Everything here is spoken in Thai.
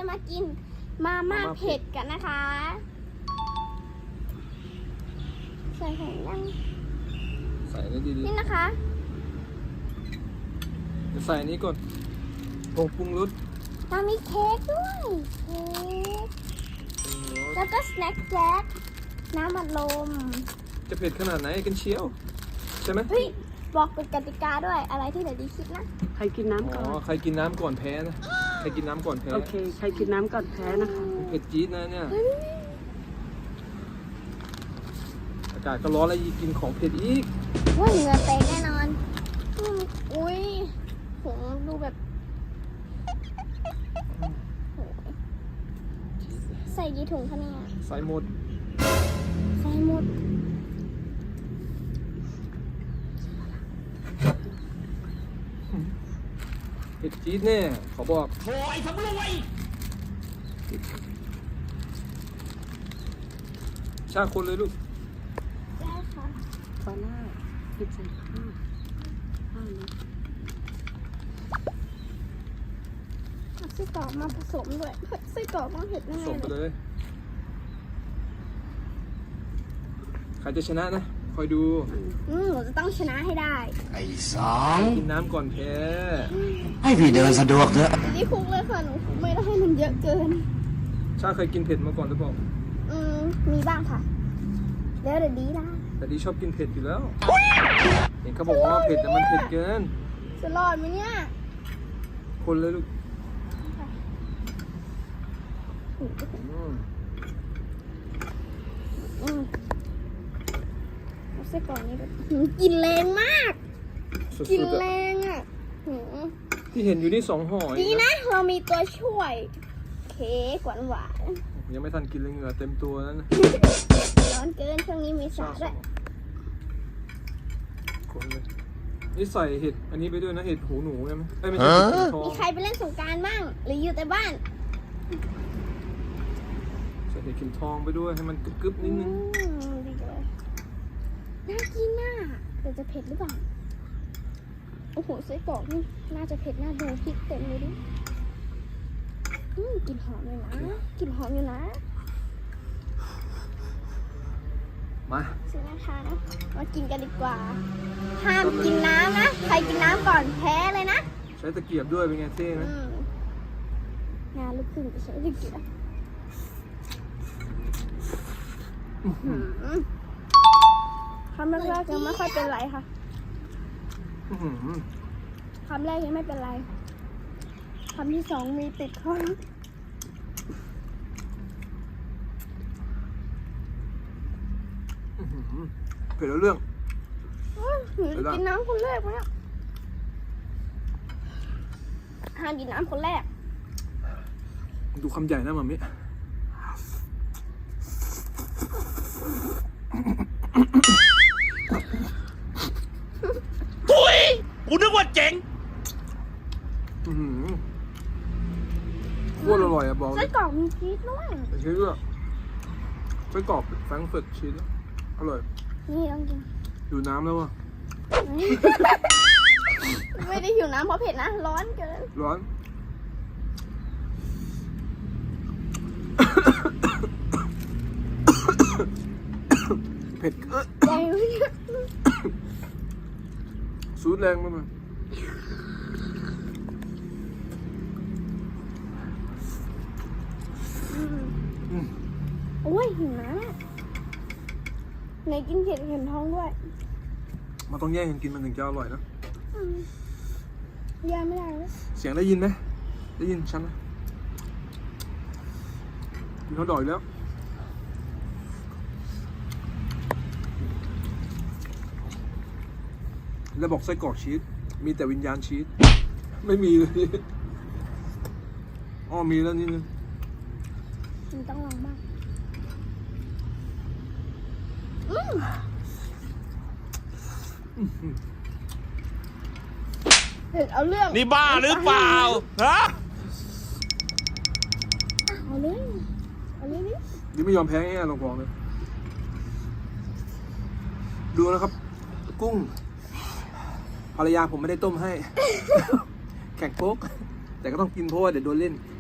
จะมากินมาม่าเผ็ดกันนะคะใส่ถุงยังใส่ได้ดีนี่นะคะๆจะใส่อันนี้ก่อนผงปรุงรสเรามีเค้กด้วยเค้กแล้วก็สแน็คแจ็คน้ำอัดลมจะเผ็ดขนาดไหนกันเชียวใช่ไหมเฮ้ยบอกเป็นกติกาด้วยอะไรที่เดี๋ยวดีคิดนะใครกินน้ำก่อนใครกินน้ำก่อนแพ้นะใครกินน้ำก่อนแพ้โอเค ใครกินน้ำก่อนแพ้นะคะเผ็ดจี๊ดนะเนี่ยอากาศก็ร้อนแล้วยิ่งกินของเผ็ดอีกว่าเหงื่อแตกแน่นอนอุ้ยผมดูแบบโหใส่กี่ถุงคะเนี่ยใส่หมดใส่หมดเผ็ดจี๊ดแน่ขอบอกโอ้ยทำรวยชาคนเลยลูกได้ค่ะปลาล่าพริกใส่ข้าวเลยเอาไส้กรอกมาผสมด้วยไส้กรอกต้องเผ็ดแน่ส่งไปเลยเลย ใครจะชนะนะ คอยดูหนูจะต้องชนะให้ได้ไอ้สองกินน้ำก่อนแพ้ให้พี่เดินสะดวกเถอะนี่คุกเลยค่ะหนูคุกไม่ได้ให้มันเยอะเกินชาเคยกินเผ็ดมาก่อนหรือเปล่ามีบ้างค่ะแล้วเดี๋ยวดีละแต่ดีชอบกินเผ็ดอยู่แล้ว เห็นเขาบอกว่าเผ็ดแต่มันเผ็ดเกินจะรอดไหมเนี่ยคนเลยลูกอืมเอาไส้กรอกนี้ด้วยกลินแรงมากสุกลินดๆแรอะงอ่ะหือที่เห็นอยู่นี่2 ห่อดีนะ เรามีตัวช่วย เค้กหวานยังไม่ทันกินเลยเหงื่อเต็มตัวแล้วนะๆร้อนเกินช่วงนี้มีสาด้วยคนเลยนี่ใส่เห็ดอันนี้ไปด้วยนะเห็ดหูหนูใช่ไหมไม่ใช่เห็ดหูทองมีใครไปเล่นสงกรานต์บ้าง หรืออยู่แต่บ้านใส่เห็ดเข็มทองไปด้วยให้มันกรึบๆนิดนึงดีเลยน่ากินน่ะแต่จะเผ็ดหรือเปล่า โอ้โหไส้กรอกนี่น่าจะเผ็ดน่าดูพริกเต็มเลยดิกลิ่นหอมเลยนะกลิ่นหอมอยู่นะมาซื้อนะคะมากินกันดีกว่า ห้ามกินน้ำนะ ใครกินน้ำก่อนแพ้เลยนะใช้ตะเกียบด้วยเป็นไงเท่ไหมงานลูกครึ่งจะใช้ตะเกียบคำแรกๆยังไม่ค่อยเป็นไรค่ะอื้อหือคำแรกยังไม่เป็นไร คำที่สองมีติดคออื้อหือเผ็ดแล้วเรื่องหนูจะกินน้ำคนแรกไหมเนี่ยห้ามกินน้ำคนแรกดูคำใหญ่นะมัมมี่กูนึกว่าเจ๋งอื้อหือโคตรอร่อยอะบอกเลไส้ยกรอกมีชีสด้วยแต่ชีสด้วยไส้กรอบแฟรงก์เฟิร์ตชีสอร่อยนี่ต้องกินอยู่น้ำแล้วว่ะไม่ได้หิวน้ำเพราะเผ็ดนะ ร้อนเกินร้อน เผ็ดใจไม่ได้ซูดแรงมากเลยโอ้ยหิวน้ำไหนกินเผ็ดเห็นท้องด้วยมันต้องแย่งกันกินมันถึงจะอร่อยนะย่าไม่ได้เลยเสียงได้ยินไหมได้ยินฉันไหมกินเขาวดอยแล้ว แล้วบอกไส้กรอกชีส มีแต่วิญญาณชีส ไม่มีเลย อ๋อมีแล้วนิดนึงมันต้องลองบ้างเผ็ดเอาเรื่องนี่บ้าหรือเปล่า ฮะเอาเลยนี่นี่ไม่ยอมแพ้ง่ายๆลองบอกเลย ดูนะครับ กุ้ง ภรรยาผมไม่ได้ต้มให้ แข่งโป๊ก แต่ก็ต้องกินเพราะว่าเดี๋ยวโดนเล่น